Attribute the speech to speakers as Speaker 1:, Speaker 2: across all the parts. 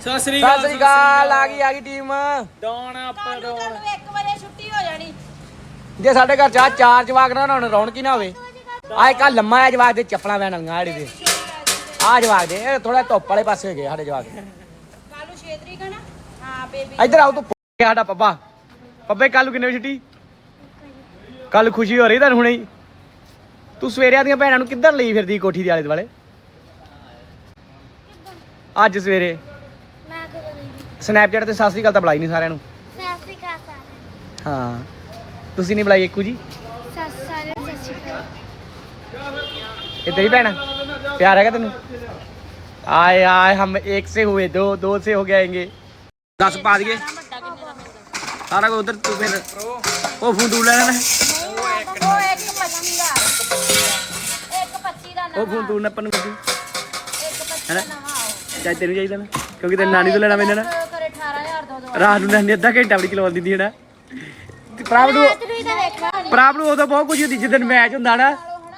Speaker 1: ਸਤਿ ਸ੍ਰੀ ਅਕਾਲ। ਆ ਗਈ ਟੀਮ
Speaker 2: ਡਾਉਣ ਆਪਾਂ ਡਾਉਣ
Speaker 3: 1 ਵਜੇ ਛੁੱਟੀ ਹੋ ਜਾਣੀ।
Speaker 1: ਜੇ ਸਾਡੇ ਘਰ ਚਾਰ ਜਵਾਕ ਨਾ ਹੁਣ ਰੌਣਕ ਹੀ ਨਾ ਹੋਵੇ। ਆ ਇੱਕ ਲੰਮਾ ਆ ਜਵਾਕ ਦੇ ਚੱਪਲਾਂ ਪੈਣ ਵਾਲੀਆਂ ਜਿਹੜੇ ਦੇ ਆ ਜਵਾਕ ਦੇ ਇਹ ਥੋੜਾ ਧੁੱਪ ਵਾਲੇ ਪਾਸੇ ਹੋ ਗਏ ਸਾਡੇ ਜਵਾਕ।
Speaker 3: ਕੱਲੂ 6 ਤਰੀਕ ਹੈ ਨਾ। ਹਾਂ ਬੇਬੀ
Speaker 1: ਇੱਧਰ ਆਓ ਤੂੰ ਸਾਡਾ ਪੱਪੇ ਕੱਲ ਕਿੰਨੇ ਵਜੇ ਛੁੱਟੀ? ਕੱਲ ਖੁਸ਼ੀ ਹੋ ਰਹੀ ਤੁਹਾਨੂੰ ਹੁਣੇ ਹੀ। ਤੂੰ ਸਵੇਰੇ ਦੀਆਂ ਭੈਣਾਂ ਨੂੰ ਕਿੱਧਰ ਲਈ ਫਿਰਦੀ ਕੋਠੀ ਦੇ ਆਲੇ ਦੁਆਲੇ? ਅੱਜ ਸਵੇਰੇ ਸਨੈਪਚੈਟ ਤੇ ਸਤਿ ਸ੍ਰੀ ਅਕਾਲ ਤਾਂ ਬੁਲਾਈ ਨਹੀਂ ਸਾਰਿਆਂ ਨੂੰ।
Speaker 4: ਸਤਿ ਸ਼੍ਰੀ ਅਕਾਲ ਸਾਰਿਆਂ
Speaker 1: ਹਾਂ ਤੁਸੀਂ ਨਹੀਂ ਬੁਲਾਈ ਇੱਕੂ ਜੀ?
Speaker 4: ਨੂੰ। ਸਾਰਿਆਂ ਨੂੰ ਸਤਿ ਸ਼੍ਰੀ ਅਕਾਲ।
Speaker 1: ये तेरी बहन है? प्यार है क्या तेन? आए आए हम एक से हुए दो से हो गएंगे 10 पा दिए सारा को उधर तू फिर वो फोन तू लेना
Speaker 3: ਉਹ 125 ਦਾ 125 ਦਾ
Speaker 1: वो फोन तू नप्पन को
Speaker 3: 125 ਦਾ ਨਵਾਂ ਆਓ।
Speaker 1: चाहे तेन चाहिए ना क्योंकि तेरे नानी तो लेना मैंने ना
Speaker 3: ਕਰੇ 18000 ਦੋ
Speaker 1: रात ਨੂੰ ਨਾਨੀ ਅੱਧਾ ਘੰਟਾ ਵੀ ਚਲਵਾ ਦਿੰਦੀ ਹੈ ਨਾ। ਪ੍ਰਾਪ ਨੂੰ ਉਦੋਂ ਬਹੁਤ ਕੁਝ ਹੁੰਦੀ ਜਿੱਦਣ ਮੈਚ ਹੁੰਦਾ ਨਾ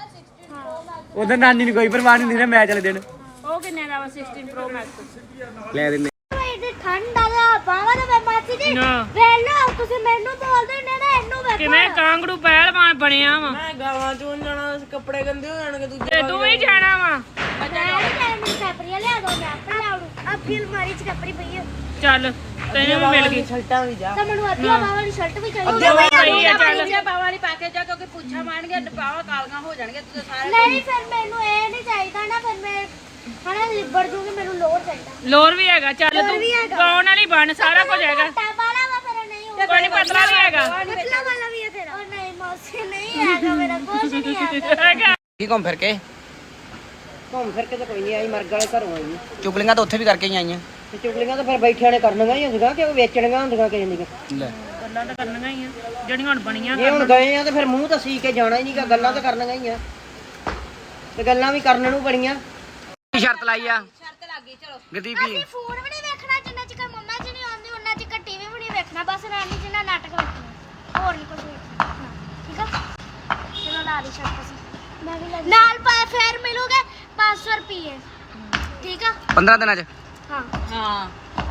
Speaker 1: ਉਦੋਂ ਨਾਨੀ ਨੂੰ ਕੋਈ ਪਰਵਾਹ ਨਹੀਂ ਹੁੰਦੀ ਨਾ ਮੈਚ ਵਾਲੇ ਦਿਨ।
Speaker 3: ਉਹ ਕਿੰਨੇ ਦਾ ਵਾ 16 ਪ੍ਰੋ ਮੈਕਸ?
Speaker 1: ਲੈ ਦਿੰਦੇ
Speaker 4: ਇਹ ਠੰਡ ਆ ਗਿਆ ਬਾਵਾ ਦਾ ਮਾਸੀ ਜੀ ਵੇਲੋ ਤੁਸੀਂ ਮੈਨੂੰ ਬੋਲਦੇ ਨੇ ਨਾ ਇਹਨੂੰ ਵੇਖੋ
Speaker 3: ਕਿਵੇਂ ਕਾਂਗੜੂ ਪਹਿਲਵਾਨ ਬਣਿਆ ਵਾ।
Speaker 2: ਮੈਂ ਗਾਵਾਂ ਚੋਂ ਜਾਣਾ ਕੱਪੜੇ ਗੰਦੇ ਹੋ ਜਾਣਗੇ ਦੂਜੇ
Speaker 3: ਤੇ ਤੂੰ ਵੀ ਜਾਣਾ ਵਾ।
Speaker 4: ਮੈਨੂੰ ਕਪੜੀਆਂ ਲਿਆ ਦੋ ਮੈਂ ਆਪੇ ਲਾਉਂ ਆ ਫਿਰ ਮਾਰੀ ਚ ਕਪੜੀ ਪਈ ਹੈ
Speaker 3: ਚੱਲ ਤੈਨੂੰ ਵੀ ਮਿਲ ਗਈ
Speaker 2: ਸ਼ਰਟਾਂ ਵੀ ਜਾ
Speaker 4: ਤਾਂ ਮੈਨੂੰ ਅੱਧੀਆਂ ਬਾਵਾ ਵਾਲੀ ਸ਼ਰਟ ਵੀ ਚਾਹੀਦੀ
Speaker 3: ਪਈ ਆ ਚੱਲ। ਬਾਵਾ ਵਾਲੀ ਪਾ ਕੇ ਜਾ ਕਿਉਂਕਿ ਪੁੱਛਾ ਮਾਰਨਗੇ ਬਾਵਾ ਕਾਲੀਆਂ ਹੋ ਜਾਣਗੇ ਤੂੰ ਸਾਰੇ।
Speaker 4: ਨਹੀਂ ਫਿਰ ਮੈਨੂੰ ਇਹ ਨਹੀਂ ਚਾਹੀਦਾ ਨਾ ਫਿਰ ਮੈਂ ਹਣਾ ਲਿਬੜ ਜੂਗੀ ਮੈਨੂੰ ਲੋਰ ਚਾਹੀਦਾ।
Speaker 3: ਲੋਰ ਵੀ ਹੈਗਾ ਚੱਲ
Speaker 4: ਲੋਰ
Speaker 3: ਤੂੰ
Speaker 4: ਵੀ ਹੈਗਾ।
Speaker 3: ਗਾਉਣ ਵਾਲੀ ਬਣ ਸਾਰਾ ਕੁਝ ਹੈਗਾ।
Speaker 4: ਟਾ ਵਾਲਾ ਵਾ ਫਿਰ ਨਹੀਂ ਹੋਊਗਾ।
Speaker 3: ਕੋਈ ਨੀ, ਪਤਲਾ ਵੀ ਹੈਗਾ।
Speaker 4: ਪਤਲਾ ਵਾਲਾ ਵੀ ਹੈ ਤੇਰਾ। ਉਹ ਨਹੀਂ ਮੌਸੀ ਨਹੀਂ ਹੈਗਾ ਮੇਰਾ ਕੁਝ ਨਹੀਂ ਹੈਗਾ।
Speaker 3: ਹੈਗਾ
Speaker 1: ਕੀ ਘੁੰਮ ਫਿਰ ਕੇ
Speaker 2: ਘੁੰਮ ਫਿਰ ਕੇ ਤਾਂ ਕੋਈ ਨਹੀਂ ਆਈ ਮਰਗ ਵਾਲੇ ਘਰੋਂ ਆਈ
Speaker 1: ਚੁਗਲੀਆਂ ਤਾਂ ਉੱਥੇ ਵੀ ਕਰਕੇ ਹੀ ਆਈਆਂ।
Speaker 2: ਤੇ ਚੁਗਲੀਆਂ ਤਾਂ ਫਿਰ ਬੈਠਿਆਂ ਨੇ ਕਰਨੀਆਂ ਹੀ ਹੁੰਦੀਆਂ ਕਿ ਵੇਚਣੀਆਂ ਹੁੰਦੀਆਂ ਕਿਸੇ ਦੀਆਂ।
Speaker 1: ਲੈ
Speaker 3: ਗੱਲਾਂ ਤਾਂ ਕਰਨੀਆਂ ਹੀ ਆ ਜਿਹੜੀਆਂ ਹੁਣ ਬਣੀਆਂ।
Speaker 2: ਜੇ ਹੁਣ ਗਏ ਆ ਤੇ ਫਿਰ ਮੂੰਹ ਤਾਂ ਸੀ ਕੇ ਜਾਣਾ ਹੀ ਨਹੀਂਗਾ ਗੱਲਾਂ ਤਾਂ ਕਰਨੀਆਂ ਹੀ ਆ ਤੇ ਗੱਲਾਂ ਵੀ ਕਰਨ ਨੂੰ ਬੜੀਆਂ।
Speaker 1: ਕੀ ਸ਼ਰਤ ਲਾਈ ਆ
Speaker 3: ਸ਼ਰਤ ਲੱਗ ਗਈ ਚਲੋ।
Speaker 1: ਗਦੀਪੀ?
Speaker 4: ਅਸੀਂ ਫੋਨ ਵੀ ਨਹੀਂ ਵੇਖਣਾ ਜਿੰਨਾ ਚਿਰ ਮੰਮਾ ਜੀ ਨਹੀਂ ਆਉਂਦੀ ਉਹਨਾਂ ਚਿਰ ਟੀਵੀ ਵੀ ਨਹੀਂ ਵੇਖਣਾ ਬਸ ਰਾਣੀ ਜੀ ਨਾਲ ਨਾਟਕ ਵੇਖਣਾ ਹੋਰ ਨਹੀਂ ਕੁਝ ਵੇਖਣਾ। ਹਾਂ, ਠੀਕ ਆ ਚਲੋ ਲਾ ਦੀ ਸ਼ਰਟ ਅਸੀਂ ਮੈਂ ਵੀ ਨਾਲ ਫੇਰ ਮਿਲੂਗੇ 500 ਰੁਪਏ ਠੀਕ ਆ
Speaker 1: 15 ਦਿਨਾਂ ਚ
Speaker 4: ਹਾਂ
Speaker 3: ਹਾਂ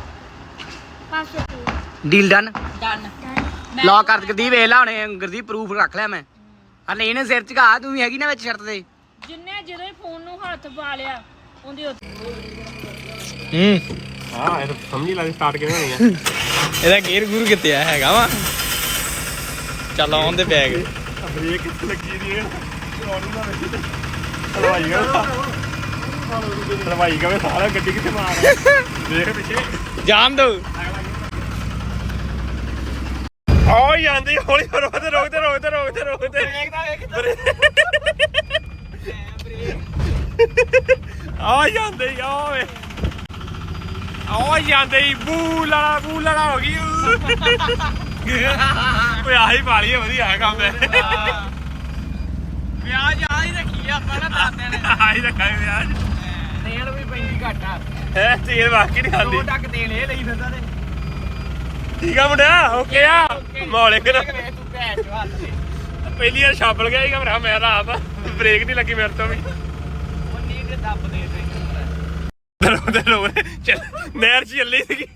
Speaker 4: 500 ਰੁਪਏ
Speaker 1: ਡੀਲ ਡਨ।
Speaker 3: ਡਨ।
Speaker 1: ਲੌ ਕਰ ਗਦੀ ਵੇਖ ਲਾ ਹੁਣੇ ਗੁਰਦੀਪ ਪ੍ਰੂਫ ਰੱਖ ਲਿਆ ਮੈਂ। ਹਲੇ ਇਹਨੇ ਸਿਰ ਝਕਾ ਤੂੰ ਵੀ ਹੈਗੀ ਨਾ ਵਿੱਚ ਸ਼ਰਤ ਦੇ।
Speaker 3: ਜਿੰਨੇ ਜਦੋਂ ਹੀ ਫੋਨ ਨੂੰ ਹੱਥ ਪਾ ਲਿਆ ਉਹਦੀ
Speaker 5: ਹਾਂ ਇਹ ਤਾਂ ਸਮਝ ਹੀ ਲੱਗ ਸਟਾਰਟ ਕਿਵੇਂ ਹੋਣੀ ਆ।
Speaker 1: ਇਹਦਾ ਗੇਅਰ ਗੁਰੂ ਕਿੱਥੇ ਆ ਹੈਗਾ ਵਾ? ਚੱਲ ਆਉਣ ਦੇ ਬੈਗ
Speaker 5: ਬ੍ਰੇਕ ਕਿੱਥੇ ਲੱਗੀ ਦੀ ਹੈ ਹਲਵਾਈ ਕਵੇ ਸਾਰਾ ਗੱਡੀ ਕਿੱਥੇ ਮਾਰ ਦੇਖ ਪਿੱਛੇ
Speaker 1: ਜਾਮ ਦੋ।
Speaker 5: ਆ ਜਾਂਦੀ ਹੌਲੀ ਰੋਕਦੇ ਆ ਜਾਂਦੇ ਬੂ ਲੜਾ ਹੋ ਗਈ। ਓਏ ਆਹੀ ਪਾਲੀ ਵਧੀਆ ਕੰਮ ਹੈ।
Speaker 1: ਵਿਆਜ ਆ ਹੀ ਰੱਖੀ ਆਪਾਂ ਨਾ ਦਾਦੇ ਨੇ।
Speaker 5: ਆਹੀ ਰੱਖਾਂਗੇ ਵਿਆਜ।
Speaker 1: ਤੇਲ ਵੀ ਪੈਂਦੀ ਘੱਟ ਆ।
Speaker 5: ਹੈ ਤੇਲ ਵਾਕੀ ਨਹੀਂ ਖਾਂਦੀ।
Speaker 1: 2 ਟੱਕ ਤੇਲ ਇਹ ਲਈ ਫਿਰਦਾ ਤੇ
Speaker 5: ਠੀਕ ਆ ਮੁੰਡਿਆ ਓਕੇ ਆ ਮੌਲੇ ਕਰ
Speaker 1: ਤੂੰ ਭੈਣ ਚੋ ਹੱਥ ਤੇ
Speaker 5: ਪਹਿਲੀ ਵਾਰ ਛਾਪਲ ਗਿਆ ਸੀਗਾ ਮੇਰਾ ਮੈਂ ਤਾਂ ਆਪ ਬ੍ਰੇਕ ਨਹੀਂ ਲੱਗੀ ਮੇਰੇ ਤੋਂ ਵੀ।
Speaker 1: ਉਹ ਨੀ ਤੇ ਦੱਬ ਦੇ
Speaker 5: ਚੱਲ ਨਹਿਰ 'ਚ ਚੱਲੀ ਸੀਗੀ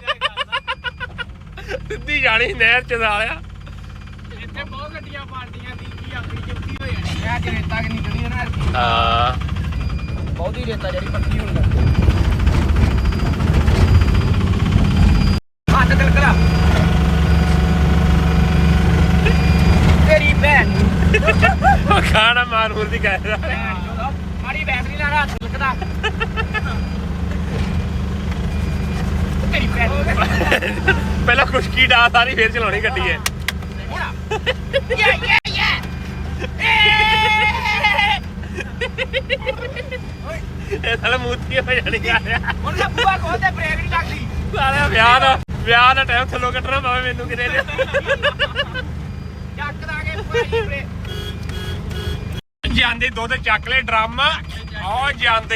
Speaker 5: ਸਿੱਧੀ ਜਾਣੀ ਨਹਿਰ 'ਚ ਸਾਲਿਆ।
Speaker 1: ਇੱਥੇ ਬਹੁਤ ਗੱਡੀਆਂ ਪਾਰਟੀਆਂ ਦੀ ਕੀ ਆਪਣੀ ਚੁੱਕੀ ਹੋ ਜਾਣੀ ਆ। ਅੱਜ ਰੇਤਾ ਕਿ ਨਿਕਲੀ ਨਾ
Speaker 5: ਹਾਂ
Speaker 1: ਬਹੁਤੀ ਰੇਤਾ ਜਿਹੜੀ ਪੱਕੀ ਹੋਣ ਲੱਗ ਹੱਥ ਕਲਕਲਾ ਤੇਰੀ ਭੈਣ
Speaker 5: ਉਹ ਖਾਣਾ ਮਾਰੂਰ ਦੀ ਕਹਿ ਰਿਹਾ
Speaker 1: ਮਾਰੀ ਬੈਟਰੀ ਨਾਲ ਹੱਥ ਕਲਕਦਾ ਤੇਰੀ ਭੈਣ।
Speaker 5: ਪਹਿਲਾਂ ਖੁਸ਼ਕੀ ਡਾ ਸਾਰੀ ਫੇਰ ਚਲਾਉਣੀ ਗੱਡੀ ਹੈ। ਇਹ ਸਾਲਾ ਮੂਤੀ ਹੋ ਜਾਣੀ ਆ
Speaker 1: ਹੁਣ ਤਾਂ ਬੂਆ ਖੋਲਦੇ ਬ੍ਰੇਕ ਨਹੀਂ ਲੱਗਦੀ।
Speaker 5: ਸਾਲਿਆ ਵਿਆਹ ਦਾ ਟਾਈਮ ਥੱਲੋਂ ਕੱਟਣਾ ਪਵੇ ਮੈਨੂੰ ਕਿਤੇ ਨੇ।
Speaker 1: ਚੱਕ ਦਾਂਗੇ ਬੂਆ ਜੀ ਬ੍ਰੇਕ।
Speaker 5: ਜਾਂਦੇ ਦੁੱਧ ਚੱਕ ਲੈ ਡਰਮ ਆ ਜਾਂਦੇ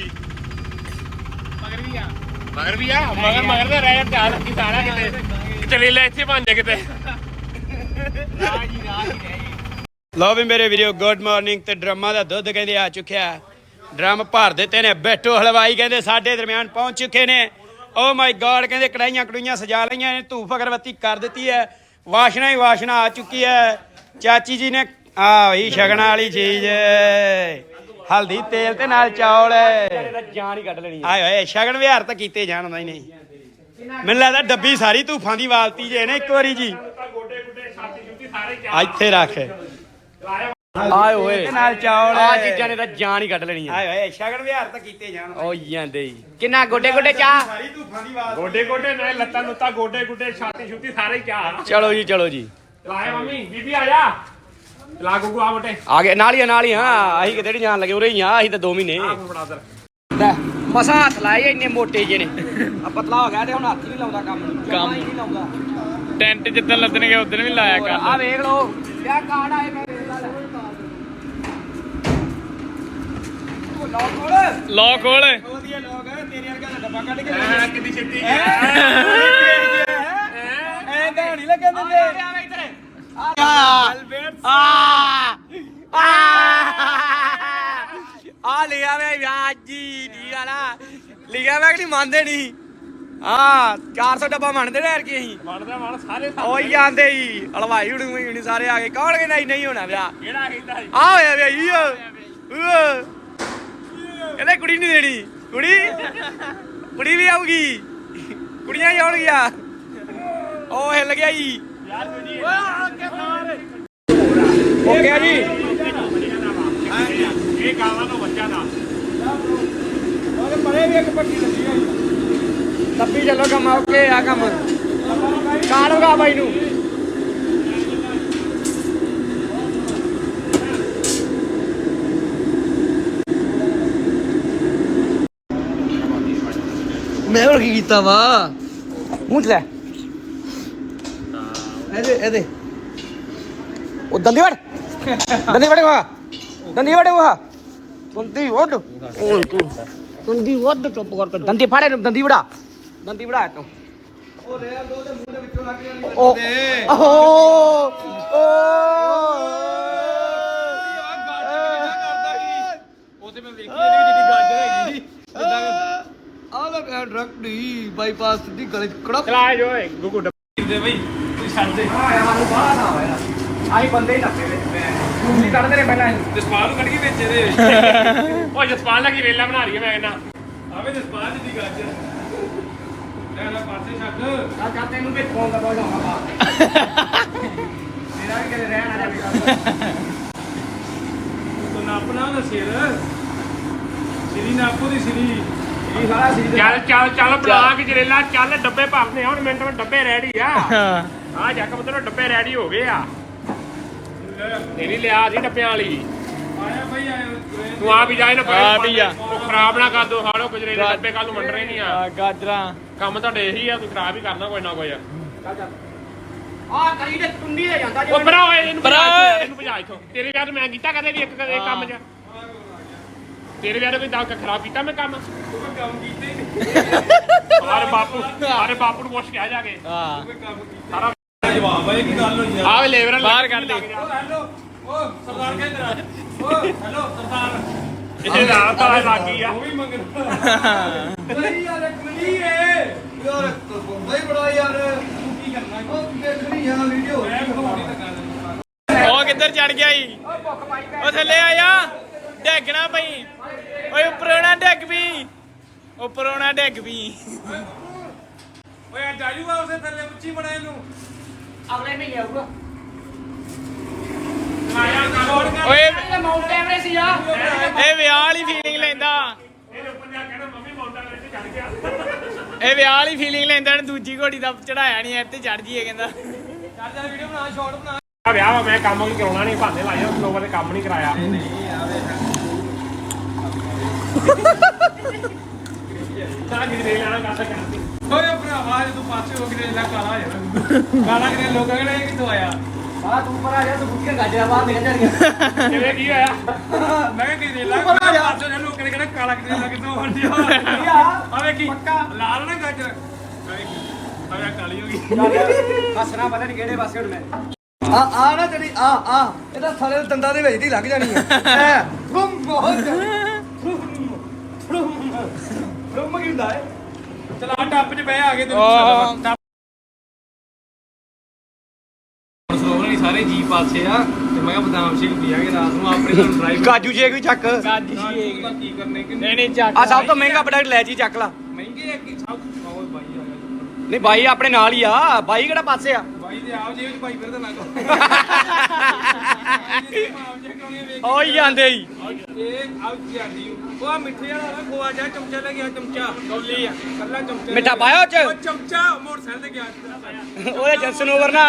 Speaker 1: ਮਗਰ ਵੀ ਆ
Speaker 5: ਮਗਰ ਦਾ ਰਹਿ ਧਿਆਨ ਰੱਖੀ ਸਾਰਾ ਕਿਤੇ ਚਲੇ ਲੈ ਇੱਥੇ ਬਣ ਜਾ ਕਿਤੇ।
Speaker 1: ਰਾਜ ਹੀ ਰਹਿ ਗਈ।
Speaker 6: ਲਓ ਵੀ ਮੇਰੇ ਵੀਡੀਓ ਗੁੱਡ ਮਾਰਨਿੰਗ। ਤੇ ਡਰਮਾਂ ਦਾ ਦੁੱਧ ਕਹਿੰਦੇ ਆ ਚੁੱਕਿਆ। ਡਰਮ ਭਰ ਦਿੱਤੇ ਨੇ। ਬੈਠੋ ਹਲਵਾਈ ਕਹਿੰਦੇ ਸਾਡੇ ਦਰਮਿਆਨ ਪਹੁੰਚ ਚੁੱਕੇ ਨੇ। ਓ ਮਾਈ ਗॉड ਕਹਿੰਦੇ ਕੜਾਈਆਂ ਕੜੂਈਆਂ ਸਜਾ ਲਈਆਂ ਨੇ ਧੂਫ ਅਗਰਬੱਤੀ ਕਰ ਦਿੱਤੀ ਹੈ ਵਾਸ਼ਨਾ ਹੀ ਵਾਸ਼ਨਾ ਆ ਚੁੱਕੀ ਹੈ ਚਾਚੀ ਜੀ ਨੇ ਆ ਬਈ ਸ਼ਗਨਾਂ ਵਾਲੀ ਚੀਜ਼ ਹਲਦੀ ਤੇਲ ਤੇ ਨਾਲ ਚੌਲ
Speaker 1: ਜਾਨ ਹੀ ਕੱਢ ਲੈਣੀ
Speaker 6: ਆਏ ਓਏ ਸ਼ਗਨ ਵਿਹਾਰ ਤਾਂ ਕੀਤੇ ਜਾਣ ਹੁੰਦਾ ਹੀ ਨਹੀਂ ਮੈਨੂੰ ਲੱਗਦਾ ਡੱਬੀ ਸਾਰੀ ਧੂਫਾਂ ਦੀ ਵਾਲਤੀ ਜੇ ਨੇ ਇੱਕ ਵਾਰੀ ਜੀ
Speaker 5: ਗੋਡੇ ਗੁੱਡੇ ਛਾਤੀ ਛੁੱਤੀ ਸਾਰੇ ਕਿਆ
Speaker 6: ਇੱਥੇ ਰੱਖ
Speaker 1: ਆਏ ਓਏ
Speaker 6: ਨਾਲ ਚੌਲ
Speaker 1: ਆ ਚੀਜ਼ਾਂ ਨੇ ਤਾਂ ਜਾਨ ਹੀ ਕੱਢ ਲੈਣੀ
Speaker 6: ਆਏ ਓਏ ਸ਼ਗਨ ਵਿਹਾਰ ਤਾਂ ਕੀਤੇ ਜਾਣ
Speaker 1: ਓ ਜਾਂਦੇ ਹੀ ਕਿੰਨਾ ਗੋਡੇ ਗੋਡੇ ਚਾਹ
Speaker 6: ਸਾਰੀ ਧੂਫਾਂ ਦੀ ਵਾਲਤੀ
Speaker 5: ਗੋਡੇ ਗੋਡੇ ਨਹੀਂ ਲੱਤਾਂ ਲੁੱਤਾਂ ਗੋਡੇ ਗੁੱਡੇ ਛਾਤੀ ਛੁੱਤੀ ਸਾਰੇ ਕਿਆ
Speaker 1: ਚਲੋ ਜੀ
Speaker 5: ਲਾਏ ਮੰਮੀ ਬੀਬੀ ਆ ਜਾ ਲਾ ਗੁੱਗੂ ਆ ਬਟੇ
Speaker 1: ਆ ਗਏ ਨਾਲ ਹੀ ਹਾਂ ਅਸੀਂ ਕਿਤੇ ਨਹੀਂ ਜਾਣ ਲੱਗੇ ਉਰੇ ਹੀ ਆ ਅਸੀਂ ਤਾਂ 2 ਮਹੀਨੇ
Speaker 5: ਆ ਫੜਾ ਦਰ
Speaker 1: ਲੈ ਮਸਾ ਹੱਥ ਲਾਏ ਇੰਨੇ ਮੋਟੇ ਜਿਹੇ ਨੇ ਆ ਪਤਲਾ ਹੋ ਗਿਆ ਤੇ ਹੁਣ ਹੱਥ ਹੀ ਨਹੀਂ ਲਾਉਂਦਾ ਕੰਮ ਹੀ ਨਹੀਂ ਲਾਉਂਦਾ
Speaker 5: ਟੈਂਟ ਜਿੱਦਣ ਲੱਦਣਗੇ ਉਦੋਂ ਵੀ ਲਾਇਆ
Speaker 1: ਆ ਵੇਖ ਲੋ ਕਿਆ ਕਾਰਡ ਆਏ ਮੈਂ ਵੇਖ ਲਾ
Speaker 5: ਲੋ ਖੋਲ
Speaker 6: ਉਹਦੀਆਂ ਲੋਕ ਤੇਰੇ ਵਰਗਾ ਦਾ ਡੱਬਾ ਕੱਢ ਕੇ
Speaker 5: ਐ ਕਿੰਨੀ ਛੇਤੀ
Speaker 6: ਐ ਤਾਂ ਨਹੀਂ ਲੱਗਣ ਦਿੰਦੇ
Speaker 1: ਆ ਲਿਆ ਵੇ ਵਿਆਜੀ ਦੀ ਵਾਲਾ ਲਿਆ ਵੇ ਕਿ ਨਹੀਂ ਮੰਨਦੇ ਨਹੀਂ ਹਾਂ 400 ਡੱਬਾ ਮੰਨਦੇ ਨੇ ਯਾਰ ਕੀ ਅਸੀਂ
Speaker 5: ਬਣਦਾ ਮਨ ਸਾਰੇ
Speaker 1: ਉਹ ਹੀ ਆਂਦੇ ਹੀ ਹਲਵਾਈ ਹੁਣੀ ਸਾਰੇ ਆ ਗਏ ਕੌਣ ਕਹਿੰਦਾ ਨਹੀਂ ਹੋਣਾ ਵਿਆਹ
Speaker 5: ਕਿਹੜਾ ਕਹਿੰਦਾ ਸੀ
Speaker 1: ਆ ਹੋਇਆ ਵਿਆਹ ਕਹਿੰਦੇ ਕੁੜੀ ਨਹੀਂ ਦੇਣੀ ਕੁੜੀ ਵੀ ਆਊਗੀ ਕੁੜੀਆਂ ਹੀ ਆਉਣਗੀਆਂ ਉਹ ਹਿੱਲ ਗਿਆ ਜੀ
Speaker 5: ਯਾਰ ਜੀ
Speaker 1: ਓਕੇ ਆ ਜੀ
Speaker 5: ਇਹ ਗਾਵਾਂ ਤੋਂ ਬੱਚਾ ਦਾ
Speaker 6: ਉਹਦੇ ਪਰੇ ਵੀ ਇੱਕ ਪੱਟੀ ਲੱਗੀ ਹੋਈ
Speaker 1: ਲੱਭੀ ਚੱਲੋ ਕੰਮ ਓਕੇ ਆ ਕੰਮ ਕਾੜੋਗਾ ਬਾਈ ਨੂੰ
Speaker 2: ਮੈਂ ਹੋਰ ਕੀ ਕੀਤਾ ਵਾ
Speaker 1: ਮੂੰਹ ਚ ਲੈ
Speaker 2: ਇਹਦੇ
Speaker 1: ਉਹ ਦੰਦੀ ਵੜ ਦੰਦੀ ਵੜ ਦੰਦੀ ਵੱਢ ਚੁੱਪ ਕਰਕੇ ਦੰਦੀ ਫਾੜੇ ਦੰਦੀ ਵੜਾ ਤੂੰ
Speaker 6: ਉਹ ਰੇਲ ਦੋ ਦੇ ਮੂੰਹ ਦੇ ਵਿੱਚੋਂ ਲੱਗ ਜਾਣੀ
Speaker 1: ਉਹ
Speaker 6: ਉਹਦੇ ਮੈਂ ਵੇਖੀ ਇਹਦੀ ਜਿਹੜੀ ਗਾਜਰ ਹੈਗੀ
Speaker 2: ਆਹ ਲੋ ਡਰਕ ਦੀ ਬਾਈਪਾਸ ਦੀ ਗਲੇ ਕੜਕ
Speaker 5: ਚਲਾ ਜੋ ਗੁੱਗੂ ਡੱਬੇ ਦੇ ਬਈ ਤੂੰ ਛੱਡ ਦੇ
Speaker 1: ਆਈ ਬੰਦੇ ਹੀ ਲੱਗੇ ਵਿੱਚ ਮੈਂ ਨਹੀਂ ਕੱਢਦੇ ਨੇ ਪਹਿਲਾਂ
Speaker 5: ਜਸਪਾਲ ਨੂੰ ਕੱਢ ਕੇ ਵਿੱਚ ਇਹਦੇ ਉਹ ਜਸਪਾਲ ਲੱਗੀ ਵੇਲਾ ਬਣਾ ਰਹੀ ਹੈ ਮੈਂ ਕਹਿੰਦਾ
Speaker 6: ਆਵੇ ਜਸਪਾਲ ਦੀ ਗਾਜਰ ਲੈ ਲੈ ਪਾਸੇ ਛੱਡ
Speaker 1: ਆ ਕਾ ਤੈਨੂੰ ਵੀ ਫੋਨ ਦਾ ਬੋਲ ਦਊਂਗਾ ਮੇਰਾ ਵੀ ਕਦੇ ਰਹਿਣ ਆ ਜਾਵੇ
Speaker 6: ਤੂੰ ਨਾਪਣਾ ਨਾ ਸਿਰ ਸਿਰੀ ਨਾਪੋ ਦੀ ਸਿਰੀ
Speaker 1: ਇਹ ਸਾਰਾ ਸੀ
Speaker 5: ਚੱਲ ਬਣਾ ਕੇ ਜਰੇਲਾ ਚੱਲ ਡੱਬੇ ਭਰਨੇ ਹੁਣ ਮਿੰਟ ਵਿੱਚ ਡੱਬੇ ਰੈਡੀ ਆ ਆ ਜੱਕ ਮਤਲਬ ਡੱਬੇ ਰੈਡੀ ਹੋ ਗਏ ਆ ਤੇਰੀ ਲਿਆ ਸੀ ਡੱਬਿਆਂ ਵਾਲੀ
Speaker 6: ਆਇਆ ਭਾਈ ਆਇਆ
Speaker 5: ਤੂੰ ਆਪ ਹੀ ਜਾਏ ਨਾ
Speaker 1: ਆ ਵੀ ਆ।
Speaker 5: ਉਹ ਖਰਾਬ ਨਾ ਕਰ ਦੋ ਹਾੜੋ ਗੁਜਰੇ ਦੇ ਡੱਬੇ ਕੱਲ ਨੂੰ ਵੰਡਣੇ ਨਹੀਂ ਆ
Speaker 1: ਗਾਜਰਾਂ
Speaker 5: ਕੰਮ ਤੁਹਾਡੇ ਇਹੀ ਆ ਤੂੰ ਖਰਾਬ ਹੀ ਕਰਨਾ ਕੋਈ ਨਾ ਕੋਈ ਆ
Speaker 1: ਕਰੀ ਤੇ ਟੁੰਡੀ ਦੇ ਜਾਂਦਾ
Speaker 5: ਉਹ ਭਰਾ ਓਏ ਇਹਨੂੰ ਭਜਾ ਇੱਥੋਂ ਤੇਰੇ ਵਿਆਹ ਤੇ ਮੈਂ ਕੀਤਾ ਕਦੇ ਵੀ ਇੱਕ ਕੰਮ 'ਚ ਤੇਰੇ ਵਿਆਹ ਤੇ ਕੋਈ ਦਾਗ ਖਰਾਬ ਕੀਤਾ ਮੈਂ ਕੰਮ
Speaker 6: ਕੰਮ ਕੀਤਾ ਹੀ ਨਹੀਂ
Speaker 5: ਸਾਰੇ ਬਾਪੂ ਨੂੰ ਪੁੱਛ ਕੇ ਆ ਜਾ ਕੇ
Speaker 1: ਹਾਂ
Speaker 5: ਸਾਰਾ
Speaker 6: ਜਵਾਬ ਆ ਇਹ ਕੀ ਗੱਲ ਹੋਈ
Speaker 5: ਆਹ ਲੇਬਰ
Speaker 1: ਬਾਹਰ ਕੱਢ ਦੇ
Speaker 6: ਹੈਲੋ ਓ ਸਰਦਾਰ ਕਹਿੰਦਾ ਓ ਹੈਲੋ ਸਰਦਾਰ
Speaker 5: ਇਹ ਰਾਤ ਆ ਲੱਗੀ ਆ
Speaker 6: ਉਹ ਵੀ ਮੰਗਦਾ ਨਹੀਂ ਯਾਰ ਕਮਲੀ ਏ ਯਾਰ ਬੰਦਾ ਹੀ ਬੜਾ ਯਾਰ ਤੂੰ ਕੀ ਕਰਨਾ ਉਹ ਦੇਖਣੀ ਆ ਵੀਡੀਓ ਮੈਂ ਖਵਾਉਣੀ ਤਾਂ ਕਰ
Speaker 1: ਉਹ ਕਿੱਧਰ ਚੜ ਗਿਆ ਈ ਉਹ ਥੱਲੇ ਆਇਆ ਡੈਗਣਾ ਪਈ ਓਏ ਉੱਪਰੋਂ ਨਾ ਡੈਗ ਵੀ
Speaker 6: ਓਏ ਅੱਜ ਆਜੂਗਾ ਉਸੇ ਥੱਲੇ ਉੱਚੀ ਬਣਾ ਇਹਨੂੰ
Speaker 1: ਅਗਲੇ ਮਹੀਨੇ ਆਊਗਾ
Speaker 5: ਓਏ
Speaker 1: ਮਾਊਂਟ ਐਵਰੈਸਟ ਹੀ ਆ ਇਹ ਵਿਆਹ ਵਾਲੀ ਫੀਲਿੰਗ ਲੈਂਦਾ
Speaker 5: ਇਹਦੇ ਉੱਪਰ ਜਾ ਕੇ ਨਾ ਮੰਮੀ ਮੌਂਟਾ ਲੈ ਕੇ ਚੜ ਗਿਆ
Speaker 1: ਇਹ ਵਿਆਹ ਵਾਲੀ ਫੀਲਿੰਗ ਲੈਂਦਾ ਦੂਜੀ ਘੋੜੀ ਦਾ ਚੜਾਇਆ ਨਹੀਂ ਇੱਥੇ ਚੜ ਜੀਏ ਕਹਿੰਦਾ
Speaker 6: ਚੱਲ ਜਾ ਵੀਡੀਓ ਬਣਾ ਸ਼ਾਰਟ ਬਣਾ
Speaker 5: ਆ ਵਿਆਹ ਵਾ ਮੈਂ ਕੰਮ ਨਹੀਂ ਕਰਾਉਣਾ ਨਹੀਂ ਭਾਂਡੇ ਲਾਏ ਉਹ ਲੋਕਾਂ ਨੇ ਕੰਮ ਨਹੀਂ ਕਰਾਇਆ ਤਾਂ ਜਿਹੜੇ ਲੈਣਾ ਕਾਸਾ ਕਰਦੀ
Speaker 6: ਓਏ ਭਰਾਵਾ ਜੇ ਤੂੰ ਪਾਸੇ ਹੋ ਕੇ ਲੈ ਕਾਲਾ ਹੋ ਜਾਣਾ ਕਾਲਾ ਕਿਨੇ ਲੋਕਾਂ ਕਹਿੰਦੇ ਇਹ ਕਿੱਥੋਂ ਆਇਆ
Speaker 1: ਆ ਤੂੰ ਪਰ ਆ ਜਾ ਤੂੰ ਬੁੱਕੀਆਂ ਗਾਜਰਾ ਬਾਹਰ ਨਿਕਲ ਜਾਣੀਆਂ
Speaker 5: ਕਿਵੇਂ ਕੀ ਹੋਇਆ
Speaker 6: ਮੈਂ ਕਿਹਾ ਕਿਨੇ ਲਾ ਪਾਸੇ ਦੇ ਲੋਕਾਂ ਨੇ ਕਹਿੰਦਾ ਕਾਲਾ ਕਿਨੇ ਲਾ ਕਿੱਥੋਂ ਹੋ ਗਿਆ ਆਵੇ ਕੀ ਲਾਲ ਨਾ ਗਾਜਰ ਆਵੇ ਕਾਲੀ ਹੋ ਗਈ
Speaker 1: ਹੱਸਣਾ ਪਤਾ ਨਹੀਂ ਕਿਹੜੇ ਪਾਸੇ ਹੁਣ ਮੈਂ
Speaker 2: ਆ ਨਾ ਜਿਹੜੀ ਆ ਇਹਦਾ ਸਾਰੇ ਦੰਦਾਂ ਦੇ ਵਿੱਚ ਦੀ ਲੱਗ ਜਾਣੀ ਹੈ ਫੁੰਮ ਬਹੁਤ ਫੁੰਮ ਕੀ ਹੁੰਦਾ ਹੈ
Speaker 6: ਚਲਾ ਟੱਪ 'ਚ ਬਹਿ ਆ ਗਏ
Speaker 1: ਸਲੋਵਰ ਸਾਰੇ ਜੀ ਪਾਸੇ ਆ ਤੇ ਮੈਂ ਕਿਹਾ ਬਦਾਮ ਸ਼ੇਕ ਪੀਾਂਗੇ ਰਾਤ ਨੂੰ ਆਪਣੇ ਨਾਲ ਡਰਾਈਵ
Speaker 6: ਕਾਜੂ ਸ਼ੇਕ ਵੀ ਚੱਕ
Speaker 1: ਕਾਜੂ ਸ਼ੇਕ ਕੀ ਕਰਨੇ ਕਿ
Speaker 5: ਨਹੀਂ ਚੱਕ
Speaker 6: ਆ ਸਭ ਤੋਂ ਮਹਿੰਗਾ ਪ੍ਰੋਡਕਟ ਲੈ ਜੀ ਚੱਕ ਲਾ
Speaker 1: ਮਹਿੰਗੇ ਆ ਕਿ ਸਭ ਓਏ ਬਾਈ ਆ ਗਿਆ
Speaker 6: ਨਹੀਂ ਬਾਈ ਆਪਣੇ ਨਾਲ ਹੀ ਆ ਬਾਈ ਕਿਹੜਾ ਪਾਸੇ ਆ
Speaker 1: ਬਾਈ ਦੇ ਆਪ ਜੇਬ ਚ ਭਾਈ ਫਿਰਦਾ ਨਾ ਕੋ
Speaker 6: ਓਏ ਜਾਂਦੇ ਹੀ
Speaker 1: ਇਹ ਆਉ ਜਾਂਦੀ ਉਹ ਆ ਮਿੱਠੇ ਵਾਲਾ ਨਾ ਖੋਆ ਜਾ ਚਮਚਾ ਲੈ ਗਿਆ ਚਮਚਾ ਕੌਲੀ ਆ ਕੱਲਾ ਚਮਚਾ
Speaker 6: ਮਿੱਠਾ ਪਾਇਆ ਉਹ ਚ
Speaker 1: ਉਹ ਚਮਚਾ ਮੋਟਰਸਾਈਕਲ ਤੇ ਗਿਆ
Speaker 6: ਉਹਦੇ ਜੰਸਨ ਓਵਰ ਨਾ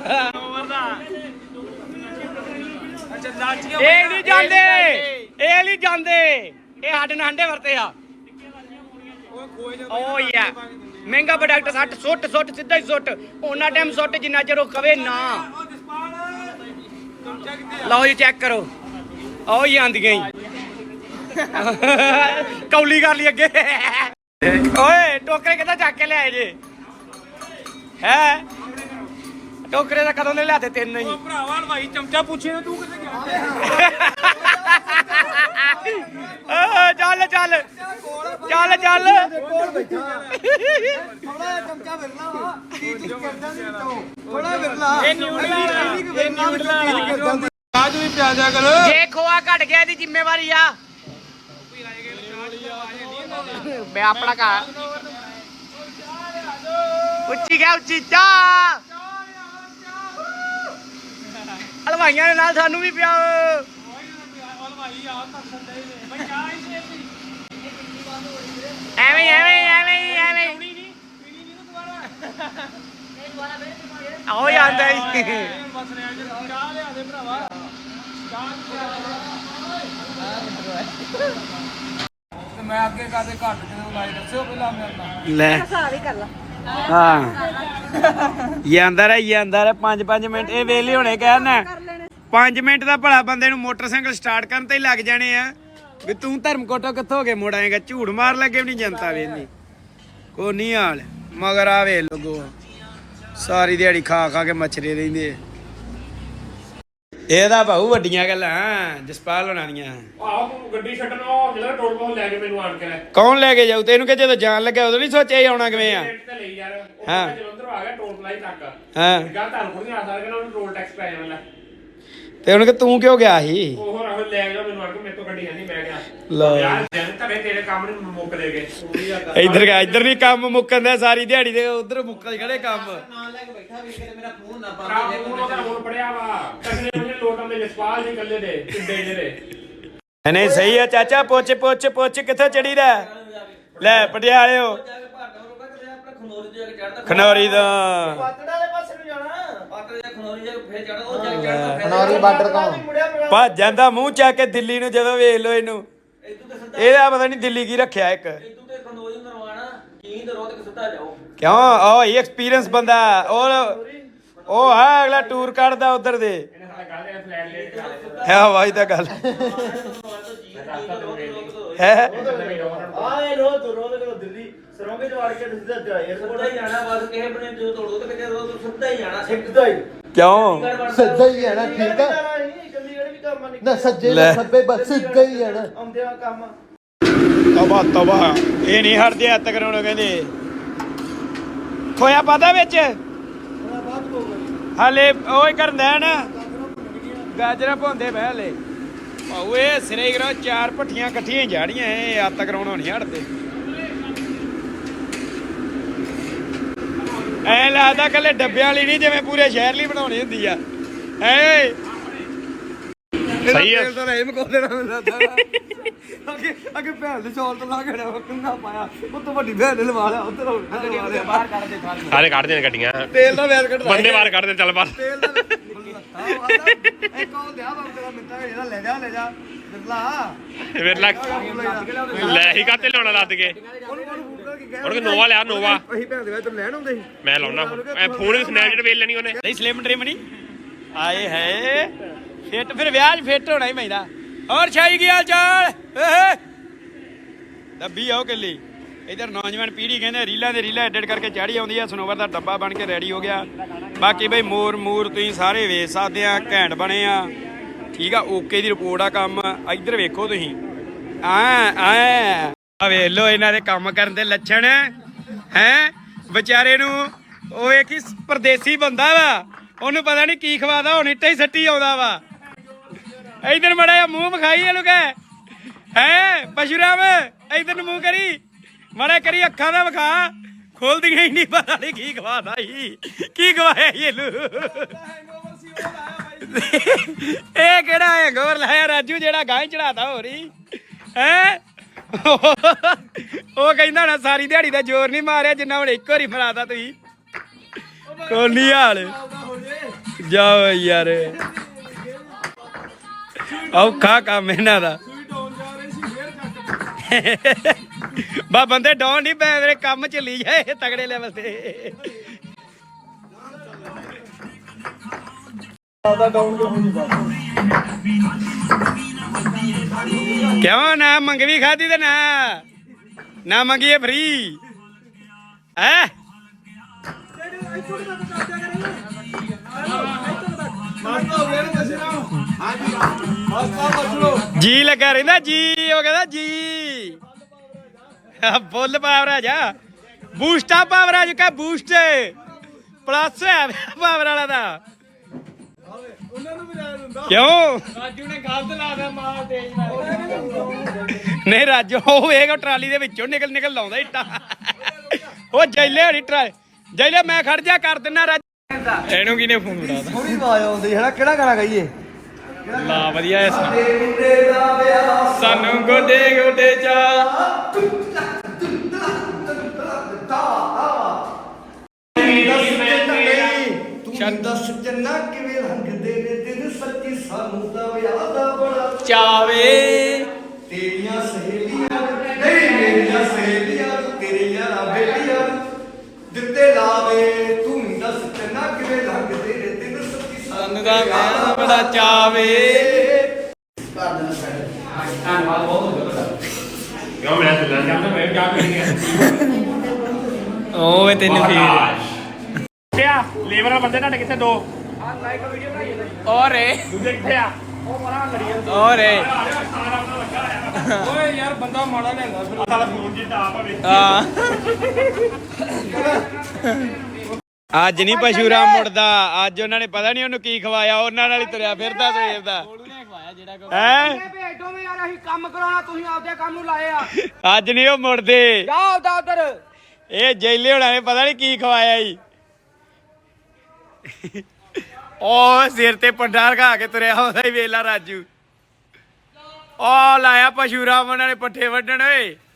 Speaker 1: ਅੱਛਾ ਲਾਚੀਆਂ
Speaker 6: ਇਹ ਨਹੀਂ ਜਾਂਦੇ ਇਹ ਸਾਡੇ ਨਾਲ ਹੰਡੇ ਵਰਤੇ ਆ
Speaker 1: ਉਹ ਖੋਏ ਜਾ
Speaker 6: ਓ ਯਾ ਮਹਿੰਗਾ ਪ੍ਰੋਡਕਟ ਸੁੱਟ ਸਿੱਧਾ ਹੀ ਸੁੱਟ ਉਹਨਾਂ ਟਾਈਮ ਸੁੱਟ ਜਿੰਨਾ ਚਿਰ ਉਹ ਕਵੇ ਨਾ
Speaker 1: ਉਹ ਜਸਪਾਲ ਚਮਚਾ ਕਿੱਥੇ ਆ
Speaker 6: ਲਓ ਜੀ ਚੈੱਕ ਕਰੋ ਓ ਹੀ ਆਂਦੀਆਂ ਹੀ ਕੌਲੀ ਕਰ ਲਈ ਅੱਗੇ ਓਏ ਟੋਕਰੇ ਕਿੱਦਾਂ ਚੱਕ ਕੇ ਲਿਆਏ ਜੇ ਹੈ ਟੋਕਰੇ ਦਾ ਕਦੋਂ ਦੇ ਲਿਆਤੇ ਤਿੰਨ ਹੀ
Speaker 1: ਉਹ ਭਰਾਵਾ ਭਾਈ ਚਮਚਾ ਪੁੱਛੇ ਨਾ ਤੂੰ ਕਿੱਥੇ ਗਿਆ
Speaker 6: ਚੱਲ
Speaker 1: ਕਾਜੂ ਵੀ ਪਿਆ ਜਾ ਕਰੋ
Speaker 6: ਜੇ ਖੋਆ ਘਟ ਗਿਆ ਇਹਦੀ ਜ਼ਿੰਮੇਵਾਰੀ ਆ ਮੈਂ ਆਪਣਾ ਘਰ ਉੱਚੀ ਚਾਹ ਹਲਵਾਈਆਂ ਦੇ ਨਾਲ ਸਾਨੂੰ ਵੀ ਪਿਆਓ ਐਵੇਂ ਆਓ ਜਾਂਦਾ ਹੀ
Speaker 1: ਚਾਹ ਲਿਆ ਦੇ ਭਰਾਵਾ ਤੇ ਮੈਂ ਅੱਗੇ ਕਾਦੇ ਘੱਟ ਜਦੋਂ ਲਾਈ ਦੱਸਿਓ ਪਹਿਲਾਂ ਮੇਰੇ ਨਾਲ
Speaker 6: ਲੈ ਹਿਸਾਬ ਹੀ ਕਰ ਲਾ ਹਾਂ ਜਾਂਦਾ ਰਹਿ 5 ਮਿੰਟ ਇਹ ਵੇਲੇ ਹੋਣੇ ਕਹਿਣਾ 5 ਮਿੰਟ ਦਾ ਭਲਾ ਬੰਦੇ ਨੂੰ ਮੋਟਰਸਾਈਕਲ ਸਟਾਰਟ ਕਰਨ ਤੇ ਹੀ ਲੱਗ ਜਾਣੇ ਆ ਵੀ ਤੂੰ ਧਰਮਕੋਟੋਂ ਕਿੱਥੋਂ ਹੋ ਕੇ ਮੁੜ ਆਏਗਾ ਝੂੜ ਮਾਰ ਲੱਗੇ ਵੀ ਨਹੀਂ ਜਨਤਾ ਵੇਂਦੀ ਕੋ ਨਹੀਂ ਹਾਲ ਮਗਰ ਆ ਵੇ ਲੋਗੋ ਸਾਰੀ ਦਿਹਾੜੀ ਖਾ ਕੇ ਮੱਛਰੇ ਰਹਿੰਦੇ ਇਹਦਾ ਭਾਊ ਵੱਡੀਆਂ ਗੱਲਾਂ ਜਸਪਾਲ ਹੋਣਾ ਦੀਆਂ
Speaker 5: ਆਹ ਗੱਡੀ ਛੱਡਣੋਂ ਜਿਹੜਾ ਟੋਲ ਪਲਾਜ਼ਾ ਲੈ ਕੇ ਮੈਨੂੰ ਆਣ ਕੇ
Speaker 6: ਕੌਣ ਲੈ ਕੇ ਜਾਊ ਤੈਨੂੰ ਕਿ ਜਦੋਂ ਜਾਣ ਲੱਗਿਆ ਉਦੋਂ ਨਹੀਂ ਸੋਚਿਆ ਆਉਣਾ ਕਿਵੇਂ ਆ
Speaker 5: ਤੇ ਲਈ ਯਾਰ ਉਹ
Speaker 6: ਹਾਂ।
Speaker 5: ਜਲੰਧਰ ਆ ਗਿਆ ਟੋਲ ਪਲਾਜ਼ਾ ਤੱਕ
Speaker 6: ਹਾਂ
Speaker 5: ਗਾ ਤੁਹਾਨੂੰ ਕੋਈ ਆ ਸਕਦਾ ਕਿ ਉਹਨੂੰ ਟੋਲ ਟੈਕਸ ਪੈ ਜਾਣਾ
Speaker 6: ਤੇ ਉਹਨੂੰ ਕਿ ਤੂੰ ਕਿਉਂ ਗਿਆ ਸੀ
Speaker 5: ਉਹ ਰਾਹੁਲ ਲੈ ਗਿਆ ਮੈਨੂੰ ਆਣ ਕੇ ਮੇਰੇ ਤੋਂ ਗੱਡੀ ਨਹੀਂ ਮੈਂ ਗਿਆ
Speaker 6: ਲਓ।
Speaker 5: ਯਾਰ ਜਨ ਧਰੇ ਤੇਰੇ ਕੰਮ ਨੂੰ ਮੁੱਕ ਦੇ ਗਏ
Speaker 6: ਇੱਧਰ ਨਹੀਂ ਕੰਮ ਮੁੱਕਣ ਦਾ ਸਾਰੀ ਦਿਹਾੜੀ ਦੇ ਉਧਰ ਮੁੱਕਲ ਖੜੇ ਕੰਮ
Speaker 2: ਨਾਲ ਲੈ ਕੇ ਬੈਠਾ ਵੀ ਕਿਤੇ ਮੇਰਾ ਫੋਨ ਨਾ
Speaker 5: ਖਰਾਬ ਉਹਦਾ ਹੁਣ ਪੜਿਆ ਵਾ ਕਸਨੇ ਉਹਨੇ ਲੋਟਾਂ ਦੇ ਜਸਪਾਲ ਜੀ ਕੱਲੇ ਦੇ ਟਿੱਡੇ ਜਿਹੜੇ
Speaker 6: ਨਹੀਂ ਸਹੀ ਆ ਚਾਚਾ ਪੁੱਛ ਕਿੱਥੇ ਚੜੀਦਾ ਲੈ ਪਟਿਆਲਿਓ ਖਨੌਰੀ ਦਾ
Speaker 2: ਖਨੌਰੀ ਬਾਰਡਰ ਤੋਂ
Speaker 6: ਭੱਜ ਜਾਂਦਾ ਮੂੰਹ ਚੱਕ ਕੇ ਦਿੱਲੀ ਨੂੰ ਜਦੋਂ ਵੇਖ ਲੋ ਇਹਨੂੰ ਇਹਦਾ ਪਤਾ ਨਹੀਂ ਦਿੱਲੀ ਕੀ ਰੱਖਿਆ ਇੱਕ ਕਿਉਂ ਉਹ ਹੀ ਐਕਸਪੀਰੀਅੰਸ ਬੰਦਾ ਉਹ ਹੈ ਅਗਲਾ ਟੂਰ ਕੱਢਦਾ ਉਧਰ ਦੇ ਹੈ ਵਾਈ ਤਾਂ ਗੱਲ ਹੈ
Speaker 2: ਆਏ ਰੋਜ਼ ਦਿੱਲੀ ਸਰੋਂਗੇ ਚ ਵੜ ਕੇ ਸਿੱਧਾ 에어ਪੋਰਟ ਹੀ ਜਾਣਾ ਬਸ ਕਿਸੇ ਬਣੇ ਜੋ ਤੋੜੋ ਤੇ ਕਿਤੇ ਰੋਜ਼ ਸਿੱਧਾ ਹੀ ਜਾਣਾ ਸਿੱਧਾ ਹੀ
Speaker 6: ਕਿਉਂ
Speaker 7: ਸਿੱਧਾ ਹੀ ਹੈ ਨਾ ਠੀਕ ਆ
Speaker 2: ਚੰਡੀਗੜ੍ਹ ਵੀ ਕੰਮ ਨਹੀਂ
Speaker 7: ਨਾ ਸੱਜੇ ਨਾ ਖੱਬੇ ਬਸ ਸਿੱਧਾ ਹੀ ਹੈ ਨਾ
Speaker 2: ਆਉਂਦੇ ਆ ਕੰਮ
Speaker 6: ਤਬਾ ਇਹ ਨਹੀਂ ਹਟਦੇ ਹੱਥ ਕਰਾਉਣੋਂ ਕਹਿੰਦੇ ਖੋਇਆ ਪਾਦਾ ਵਿੱਚ ਹਲੇ ਓਏ ਕਰਦਾ ਨਾ ਗਾਜਰਾਂ ਭੁੰਦੇ ਬਹਿ ਹਲੇ ਭਾਊ ਇਹ ਸਿਰੇ ਕਰੋ 4 ਭੱਠੀਆਂ ਇਕੱਠੀਆਂ ਹੀ ਜਾੜੀਆਂ ਇਹ ਹੱਥ ਕਰਾਉਣੋਂ ਨਹੀਂ ਹਟਦੇ ਐ ਲੱਗਦਾ ਕੱਲੇ ਡੱਬਿਆਂ ਵਾਲੀ ਨਹੀਂ ਜਿਵੇਂ ਪੂਰੇ ਸ਼ਹਿਰ ਲਈ ਬਣਾਉਣੀ ਹੁੰਦੀ ਆ ਐ
Speaker 5: ਸਹੀ ਆ
Speaker 7: ਤਾਂ ਇਹ ਮਕੋ ਦੇਣਾ ਮਿਲਦਾ ਅੱਗੇ ਭੈਣ ਦੇ ਚੌਲ ਤੋਂ ਲਾ ਕੇ ਨਾ ਕਿੰਨਾ ਪਾਇਆ ਉਹ ਤੋਂ ਵੱਡੀ ਭੈਣ ਨੇ ਲਵਾ ਲਿਆ ਉੱਧਰ ਬਾਹਰ ਕੱਢ ਦੇ
Speaker 5: ਸਾਰੇ ਕੱਢਦੇ ਨੇ ਗੱਡੀਆਂ
Speaker 7: ਤੇਲ ਦਾ ਵੈਰ ਕੱਢ
Speaker 5: ਬੰਦੇ ਬਾਹਰ ਕੱਢਦੇ ਚੱਲ ਬਾਹਰ
Speaker 7: ਤੇਲ ਦਾ ਇੱਕ ਉਹ ਦਿਆ ਬਾਬੂ ਤੇਰਾ ਮਿੱਤਰ ਇਹਦਾ ਲੈ ਜਾ ਬਿਰਲਾ
Speaker 5: ਫਿਰ ਲੱਗ ਲੈ ਹੀ ਕਾਤੇ ਲਿਆਉਣਾ ਲੱਦ ਕੇ ਹੁਣ ਕਿ ਨੋਵਾ ਲਿਆ ਨੋਵਾ
Speaker 7: ਅਸੀਂ ਭੈਣ ਦੇ ਵਿੱਚ ਲੈਣ ਆਉਂਦੇ ਸੀ
Speaker 5: ਮੈਂ ਲਾਉਣਾ ਐ ਫੋਨ ਵੀ ਸਨੈਪਚੈਟ ਵੇਚ ਲੈਣੀ ਉਹਨੇ
Speaker 6: ਨਹੀਂ ਸਲਿਮ ਡ੍ਰਿਮ ਨਹੀਂ ਆਏ ਹੈ ਫਿੱਟ ਫਿਰ ਵਿਆਹ 'ਚ ਫਿੱਟ ਹੋਣਾ ਹੀ ਪੈਂਦਾ ਹੋਰ ਛਾਈ ਗਿਆ ਚਾਲ ਡੱਬੀ ਆਓ ਕੱਲੀ ਇਧਰ ਨੌਜਵਾਨ ਪੀੜ੍ਹੀ ਕਹਿੰਦੇ ਰੀਲਾਂ ਐਡਿਟ ਕਰਕੇ ਚਾੜੀ ਆਉਂਦੀ ਆ ਸਨੋਵਰ ਦਾ ਡੱਬਾ ਬਣ ਕੇ ਰੈਡੀ ਹੋ ਗਿਆ ਬਾਕੀ ਬਈ ਮੂਰ ਤੁਸੀਂ ਸਾਰੇ ਵੇਚ ਸਕਦੇ ਆ ਘੈਂਟ ਬਣੇ ਆ ਠੀਕ ਆ ਓਕੇ ਦੀ ਰਿਪੋਰਟ ਆ ਕੰਮ ਇੱਧਰ ਵੇਖੋ ਤੁਸੀਂ ਆ ਵੇਖ ਲੋ ਇਹਨਾਂ ਦੇ ਕੰਮ ਕਰਨ ਦੇ ਲੱਛਣ ਹੈ ਵਿਚਾਰੇ ਨੂੰ ਉਹ ਇੱਕ ਹੀ ਪਰਦੇਸੀ ਬੰਦਾ ਵਾ, ਉਹਨੂੰ ਪਤਾ ਨਹੀਂ ਕੀ ਖਵਾਦਾ, ਹੁਣ ਇੱਟੇ ਹੀ ਸੱਟੀ ਆਉਂਦਾ ਵਾ। ਇਧਰ ਮੜਾ ਜਿਹਾ ਮੂੰਹ ਵਿਖਾਈ ਇਹਨੂੰ ਕਹਿ ਹੈ ਪਸ਼ੂਰਾਮ, ਇਧਰ ਨੂੰ ਮੂੰਹ ਕਰੀ ਮੜਾ ਕਰੀ, ਅੱਖਾਂ ਦਾ ਵਿਖਾ, ਖੋਲਦੀਆਂ ਹੀ ਨਹੀਂ, ਪਤਾ ਨਹੀਂ ਕੀ ਖਵਾਦਾ ਸੀ, ਕੀ ਖਵਾਇਆ ਸੀ ਇਹਨੂੰ। ਇਹ ਕਿਹੜਾ ਹੈਂਗਓਵਰ ਲਾਇਆ ਰਾਜੂ, ਜਿਹੜਾ ਗਾਂ ਚੜਾਤਾ ਹੋ ਰਹੀ ਹੈ। ਉਹ ਕਹਿੰਦਾ ਨਾ ਸਾਰੀ ਦਿਹਾੜੀ ਦਾ ਜ਼ੋਰ ਨਹੀਂ ਮਾਰਿਆ ਜਿੰਨਾ ਹੁਣ ਇੱਕ ਵਾਰੀ ਫੜਾਤਾ ਤੁਸੀਂ। ਕੋਨੀ ਹਾਲ ਜਾਓ ਯਾਰ, ਔਖਾ ਕੰਮ ਇਹਨਾਂ ਦਾ। ਬਾ ਬੰਦੇ ਡਾਉਣ ਨਹੀਂ ਪਏ, ਮੇਰੇ ਕੰਮ ਚੱਲੀ ਜਾਏ ਤਗੜੇ ਲੈਵਲ ਤੇ। ਕਿਉਂ ਨਾ ਮੰਗਵੀ ਖਾਦੀ ਤੇ ਨਾ ਮੰਗੀਏ ਫਰੀ ਹੈ। ਜੀ ਲੱਗਾ ਰਹਿੰਦਾ ਜੀ, ਉਹ ਕਹਿੰਦਾ ਜੀ ਫੁੱਲ ਪਾਵਰ ਆ ਜਾ, ਬੂਸਟਾ ਪਾਵਰ ਆ ਜਾ, ਬੂਸਟ ਪਲੱਸ ਹੈ ਪਾਵਰ ਵਾਲਾ ਦਾ। ਕਿਉਂ ਰਾਜੂ ਨੇ ਗਲਤ ਲਾ ਦਿਆ ਮਾਰ ਤੇਜ਼ ਨਹੀਂ ਰਾਜੂ ਉਹ ਵੇਖ ਟਰਾਲੀ ਦੇ ਵਿੱਚੋਂ ਨਿਕਲ ਲਾਉਂਦਾ ਇੱਟਾਂ। ਉਹ ਜੈਲੇ ਹੜੀ ਟਰਾਲੀ ਜੈਲੇ ਮੈਂ ਖੜ ਜਾ ਕਰ ਦਿੰਨਾ ਰਾਜੂ। ਇਹਨੂੰ ਕਿਨੇ ਫੋਨ ਫੜਾਦਾ,
Speaker 7: ਥੋੜੀ ਆਵਾਜ਼ ਆਉਂਦੀ ਹੈ ਨਾ, ਕਿਹੜਾ ਗਾਣਾ ਗਾਈਏ?
Speaker 6: ਲਾ ਵਧੀਆ ਐ ਸਾਨੂੰ ਗੋਡੇ ਗੋਡੇ ਚਾ।
Speaker 7: ਤੂੰ ਦੱਸ ਜੰਨਾ ਕਿਵੇਂ ਲੰਘਦੇ ਨੇ ਦਿਨ, ਸੱਚੀ ਸਾਨੂੰ ਤਾਂ ਵਿਆਹ ਦਾ ਬੜਾ
Speaker 6: ਚਾਵੇ।
Speaker 7: ਤੇਰੀਆਂ ਸਹੇਲੀਆਂ ਨਹੀਂ ਮੇਰੀਆਂ ਸਹੇਲੀਆਂ, ਤੇਰੇ ਯਾਰਾਂ ਬੇਲੀਆਂ ਦਿੱਤੇ ਲਾਵੇ। ਤੂੰ ਦੱਸ ਜੰਨਾ ਕਿਵੇਂ ਲੰਘਦੇ ਨੇ ਦਿਨ, ਸੱਚੀ
Speaker 6: ਸਾਨੂੰ ਤਾਂ ਵਿਆਹ ਦਾ ਬੜਾ ਚਾਵੇ।
Speaker 1: ਧੰਨਵਾਦ ਬਹੁਤ ਹੋ ਗਿਆ।
Speaker 5: ਕਿਉਂ ਮੈਂ ਚੱਲਾਂ ਜਾਂਦਾ, ਮੈਂ ਕਿਆ ਕਰੀਏ।
Speaker 6: ਓਏ ਤੈਨੂੰ ਫੇਰ
Speaker 5: ਕਿਆ ਲੇਬਰ ਵਾਲੇ ਬੰਦੇ ਤੁਹਾਡੇ ਕਿੱਥੇ ਦੋ?
Speaker 6: ਔਰੇ
Speaker 5: ਦੂਜੇ ਕਿੱਥੇ ਆ?
Speaker 6: ਔਰੇ
Speaker 5: ਓਏ ਯਾਰ ਬੰਦਾ ਮਾੜਾ ਲੈਂਦਾ ਫਿਰ ਸਾਲਾ ਫੋਨ ਜੀ ਟਾਪ ਹੋਵੇ।
Speaker 6: ਹਾਂ ਅੱਜ ਨਹੀਂ ਪਸ਼ੂਰਾਮ ਮੁੜਦਾ, ਅੱਜ ਉਹਨਾਂ ਨੇ ਪਤਾ ਨਹੀਂ ਉਹਨੂੰ ਕੀ ਖਵਾਇਆ, ਉਹਨਾਂ ਨਾਲ ਹੀ ਤੁਰਿਆ ਫਿਰਦਾ ਸਵੇਰ ਦਾ ਹੈ।
Speaker 1: ਭੇਜੋ ਮੈਂ ਯਾਰ, ਅਸੀਂ ਕੰਮ ਕਰਾਉਣਾ, ਤੁਸੀਂ ਆਪਦੇ ਕੰਮ ਨੂੰ ਲਾਏ ਆ।
Speaker 6: ਅੱਜ ਨਹੀਂ ਉਹ ਮੁੜਦੇ,
Speaker 1: ਜਾਓ ਆਪਦਾ ਉਧਰ।
Speaker 6: ਇਹ ਜੈਲੇ ਹੋਣਾ ਨੇ ਪਤਾ ਨਹੀਂ ਕੀ ਖਵਾਇਆ ਈ। ਉਹ ਸਿਰ ਤੇ ਪੱਡਾ ਰਖਾ ਕੇ ਤੁਰਿਆ ਹੁੰਦਾ ਹੀ ਵੇਲਾ ਰਾਜੂ। ਉਹ ਲਾਇਆ ਪਸ਼ੂਰਾਮ ਉਹਨਾਂ ਨੇ ਪੱਠੇ ਵੱਢਣ ਓਏ।